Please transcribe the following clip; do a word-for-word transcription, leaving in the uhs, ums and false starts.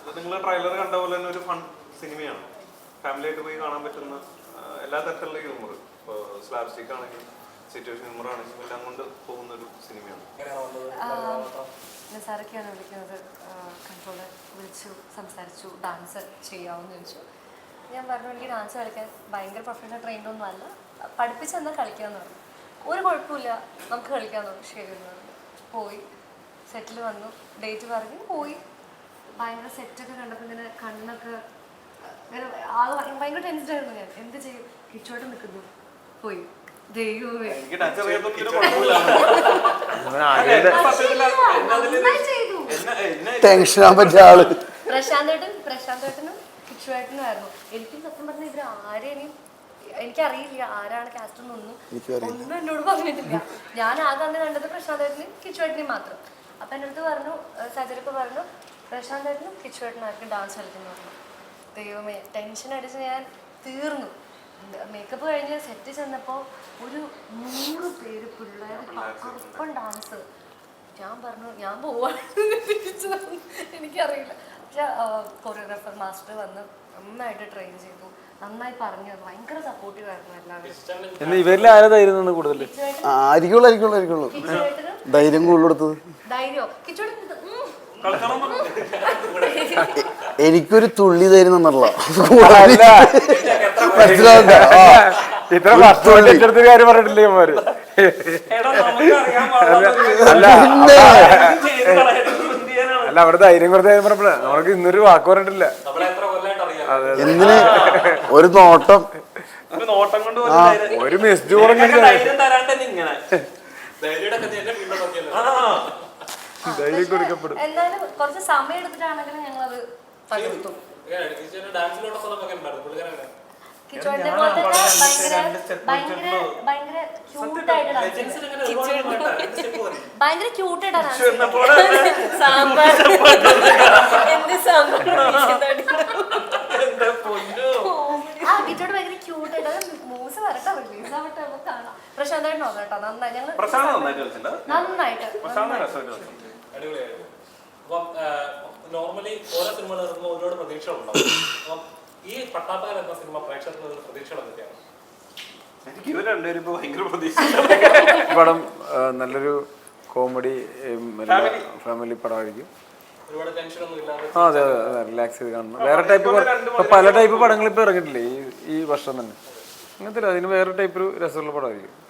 നിങ്ങൾ ട്രെയിലർ കണ്ട പോലെ തന്നെ ഒരു ഫൺ സിനിമയാണ്. ഫാമിലി ആയിട്ട് പോയി കാണാൻ പറ്റുന്ന എല്ലാ തരത്തിലുള്ള ഹ്യൂമർ, ഇപ്പോൾ സ്ലാബ് സ്റ്റിക്ക് ആണെങ്കിലും സിറ്റുവേഷൻ ഹ്യൂമർ ആണെങ്കിലും എല്ലാം കൊണ്ട് പോകുന്ന ഒരു സിനിമയാണ്. നിസാറൊക്കെയാണ് വിളിക്കുന്നത്. കൺട്രോളർ വിളിച്ചു സംസാരിച്ചു, ഡാൻസ് ചെയ്യാമെന്ന് ചോദിച്ചു. ഞാൻ പറഞ്ഞു എനിക്ക് ഡാൻസ് കളിക്കാൻ ഭയങ്കര പ്രൊഫഷണൽ ട്രെയിൻഡൊന്നും അല്ല, പഠിപ്പിച്ചെന്നാൽ കളിക്കാമെന്ന് പറഞ്ഞു. ഒരു കുഴപ്പമില്ല, നമുക്ക് കളിക്കാമെന്ന് പറഞ്ഞു. ശരി എന്ന് പറഞ്ഞു. പോയി സെറ്റിൽ വന്നു, ഡേറ്റ് പറഞ്ഞു, പോയി. ഭയങ്കര സെറ്റൊക്കെ കണ്ടപ്പോൾ ഇങ്ങനെ കണ്ണൊക്കെ ഇങ്ങനെ ആൾ ഭയങ്കര ടെൻസ്ഡ് ആയിരുന്നു. ഞാൻ എന്ത് ചെയ്യും, കിച്ചോട്ട് നിൽക്കുന്നു. പോയി ദൈവമേ പ്രശാന്തേട്ടൻ പ്രശാന്തേട്ടനും കിച്ചുവേട്ടനും ആയിരുന്നു. എനിക്കും സത്യം പറഞ്ഞ ഇവർ ആരെയും എനിക്കറിയില്ല, ആരാണ് കാസ്റ്റ് എന്നൊന്നും ഒന്നും എന്നോട് പറഞ്ഞിട്ടില്ല. ഞാൻ ആകെ അന്ന് കണ്ടത് പ്രശാന്തേട്ടനും കിച്ചുവേട്ടനെയും മാത്രം. അപ്പം എൻ്റെ അടുത്ത് പറഞ്ഞു, സജരിപ്പോൾ പറഞ്ഞു പ്രശാന്തേട്ടനും കിച്ചുവേട്ടനായിരിക്കും ഡാൻസ് കളിക്കുന്നു പറഞ്ഞു. ദൈവമേ ടെൻഷൻ അടിച്ച് ഞാൻ തീർന്നു. മേക്കപ്പ് കഴിഞ്ഞ് സെറ്റ് ചെന്നപ്പോൾ ഒരു നൂറ് പേര് പിള്ളേർ കറുപ്പൻ ഡാൻസ്. ഞാൻ പറഞ്ഞു ഞാൻ പോവാണ്, എനിക്കറിയില്ല. പക്ഷെ കൊറിയോഗ്രാഫർ മാസ്റ്റർ വന്ന് നന്നായിട്ട് ട്രെയിൻ ചെയ്തു, നന്നായി പറഞ്ഞു, ഭയങ്കര സപ്പോർട്ടീവ് ആയിരുന്നു എല്ലാവരും. ഇവരിൽ ആരതായിരുന്നു കൂടുതൽ? ധൈര്യം കൂടുതലെടുത്തത് ധൈര്യോ കിച്ചോട് എനിക്കൊരു തുള്ളി ധൈര്യം തന്നല്ല. ഇത്ര വർഷത്തെ കാര്യം പറഞ്ഞിട്ടില്ലേ ഇവന്മാര്? അല്ല അവിടെ ധൈര്യം കൊടുത്ത കാര്യം പറഞ്ഞപ്പോഴേ നമ്മൾക്ക് ഇന്നൊരു വാക്ക് പറഞ്ഞിട്ടില്ല. എന്തിന് ഒരു നോട്ടം ഒരു മെസ്സേജ് പറഞ്ഞു ധൈര്യം കൊടുക്കപ്പെടും. എന്നാലും കുറച്ച് സമയം എടുത്തിട്ടാണെങ്കിലും ഞങ്ങളത് പകർത്തു. കിച്ചോടിനെ പോലെ തന്നെ ഭയങ്കര ഭയങ്കര ഭയങ്കര ക്യൂട്ടായിട്ട് ഭയങ്കര ക്യൂട്ടായിട്ടാണ് സാമ്പാർ എന്ത് സാമ്പാർ ആ കിച്ചോട് ഭയങ്കര ക്യൂട്ടായിട്ട് മൂസ് വരട്ടെ റിലീസ് ആവട്ടെ നമുക്ക് കാണാം. പ്രശാന്തായിട്ട് നോക്കാം കേട്ടോ, നന്നായി ഞങ്ങൾ നന്നായിട്ട് നോർമലി ഓരോ സിനിമകൾ ഇറങ്ങുമ്പോൾ ഒരുപാട് പ്രതീക്ഷകളുണ്ടാവും. അപ്പം ഈ പട്ടാപ്പകൽ എന്ന സിനിമ പ്രേക്ഷകർക്ക് പ്രതീക്ഷകൾ എന്തൊക്കെയാണ്? പടം നല്ലൊരു കോമഡി ഫാമിലി പടമായിരിക്കും. ആ അതെ അതെ റിലാക്സ് ചെയ്ത് കാണണം. വേറെ ടൈപ്പ് ഇപ്പൊ പല ടൈപ്പ് പടങ്ങൾ ഇപ്പൊ ഇറങ്ങിയിട്ടില്ലേ ഈ ഈ വർഷം തന്നെ, അങ്ങനത്തെ അതിന് വേറെ ടൈപ്പ് ഒരു രസമുള്ള പടമായിരിക്കും.